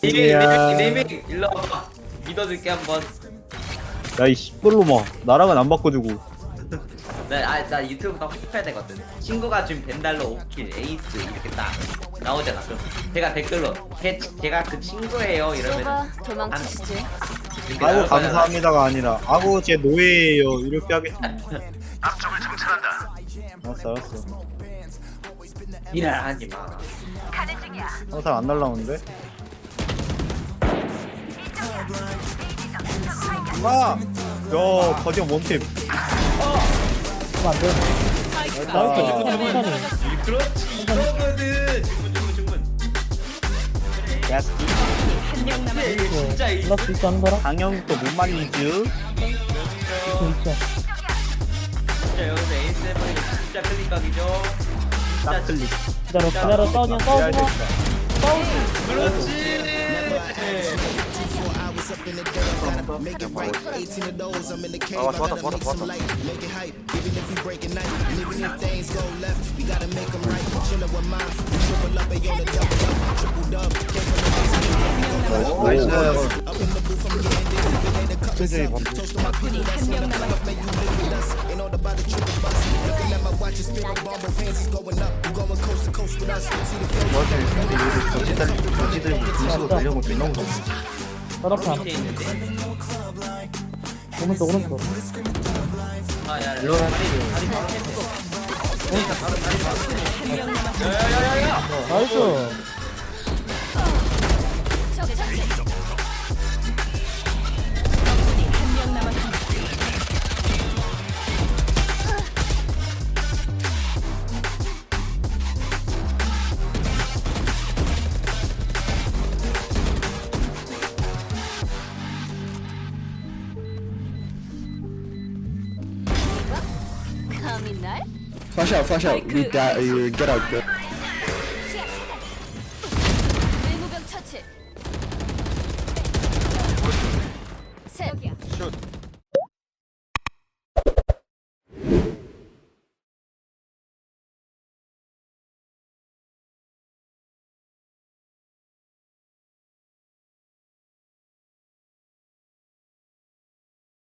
리밍 일로 와봐. 믿어줄게 한번. 야이 씨뿔로마 나랑은 안 바꿔주고. 나 유튜브가 후퇴 되거든. 친구가 준 벤달러 5킬 에이스 이렇게 딱 나오잖아. 그럼 제가 댓글로 제가 그 친구예요 이러면 좁아 도망치시지. 아이고 감사합니다가 아니라 아고 제 노예예요 이렇게 하겠습니다. 알았어. 일하지 마. 항상 안 날라오는데. 와! 야 거지형 원팀. 그렇지 이거거든. 주문. 야 한명 남았습니다. 진짜 이 플러스 있어 하는 거라? 강형 또 못 말리지. 있죠. 진짜 여기서 에이스 해버리면 진짜 클릭각이죠. 딱 클릭. 기다려 싸우지 마 싸우지 마 그렇지. 나이스. 적군이 한명 남았습니다. 따라파 밑에 있는데. 오른쪽 아야 다리 바로 뺐네. 그러니까 바로 다리 바로 뺐네. 한명 남았습니다. 야야야야야. 나이스 적군이 한명 남았습니다. 감히 날? Flash out, flash out. You die, you get out. Good. 의무병 처치.